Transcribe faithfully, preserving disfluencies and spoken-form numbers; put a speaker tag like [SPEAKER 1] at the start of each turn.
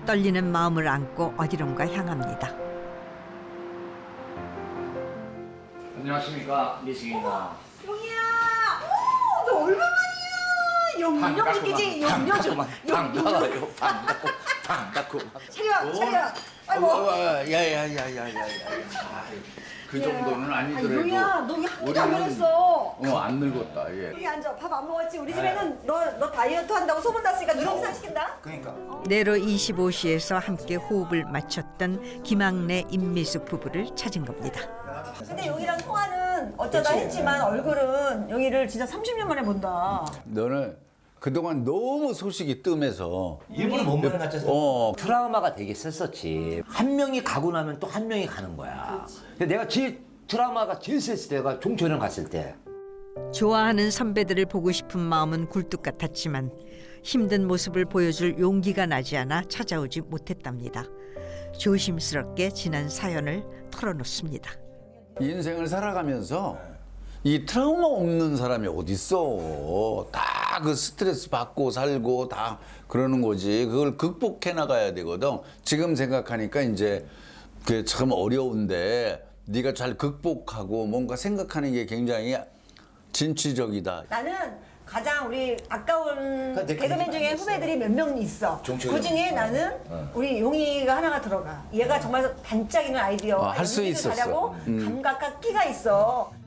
[SPEAKER 1] 떨리는 마음을 안고 어디론가 향합니다.
[SPEAKER 2] 안녕하십니까, 미승입니다.
[SPEAKER 3] 용이야! 오, 너 얼마만이야? 영영 죽이지, 영영 죽.
[SPEAKER 2] 반가워요, 반갑고, 반갑고.
[SPEAKER 3] 차려, 차려. 아이고.
[SPEAKER 2] 야야야야야야. 그 정도는
[SPEAKER 3] 아,
[SPEAKER 2] 아니더라도.
[SPEAKER 3] 용이야, 너 왜 한 번도 안
[SPEAKER 2] 우리는-
[SPEAKER 3] 변했어?
[SPEAKER 2] 어, 안 늙었다. 예.
[SPEAKER 3] 여기 앉아, 밥 안 먹었지? 우리 집에는 너, 너 다이어트 한다고 소문 났으니까 누룽산 시킨다?
[SPEAKER 2] 그러니까.
[SPEAKER 1] 내로 이십오 시에서 함께 호흡을 맞췄던 김학래 임미숙 부부를 찾은 겁니다.
[SPEAKER 3] 근데 용이랑 통화는 어쩌다 했지만 얼굴은 용이를 진짜 삼십 년 만에 본다.
[SPEAKER 4] 너는 그동안 너무 소식이 뜸해서
[SPEAKER 5] 일부러 못 만났잖아.
[SPEAKER 4] 어
[SPEAKER 5] 트라우마가 되게 셌었지. 한 명이 가고 나면 또 한 명이 가는 거야. 근데 내가 제일 트라우마가 제일 셌을 때가 종천이랑 갔을 때.
[SPEAKER 1] 좋아하는 선배들을 보고 싶은 마음은 굴뚝 같았지만 힘든 모습을 보여줄 용기가 나지 않아 찾아오지 못했답니다. 조심스럽게 지난 사연을 털어놓습니다.
[SPEAKER 4] 인생을 살아가면서 이 트라우마 없는 사람이 어딨어. 다 그 스트레스 받고 살고 다 그러는 거지. 그걸 극복해 나가야 되거든. 지금 생각하니까 이제 그게 참 어려운데 네가 잘 극복하고 뭔가 생각하는 게 굉장히 진취적이다.
[SPEAKER 3] 나는 가장 우리 아까운
[SPEAKER 5] 내
[SPEAKER 3] 개그맨
[SPEAKER 5] 기억이
[SPEAKER 3] 중에
[SPEAKER 5] 안
[SPEAKER 3] 후배들이 몇 명 있어.
[SPEAKER 5] 종철이
[SPEAKER 3] 그 중에 나는 우리 용이가 하나가 들어가. 얘가 정말 반짝이는 아이디어,
[SPEAKER 4] 어, 할수
[SPEAKER 3] 연기도
[SPEAKER 4] 있었어.
[SPEAKER 3] 잘하고
[SPEAKER 4] 음.
[SPEAKER 3] 감각과 끼가 있어.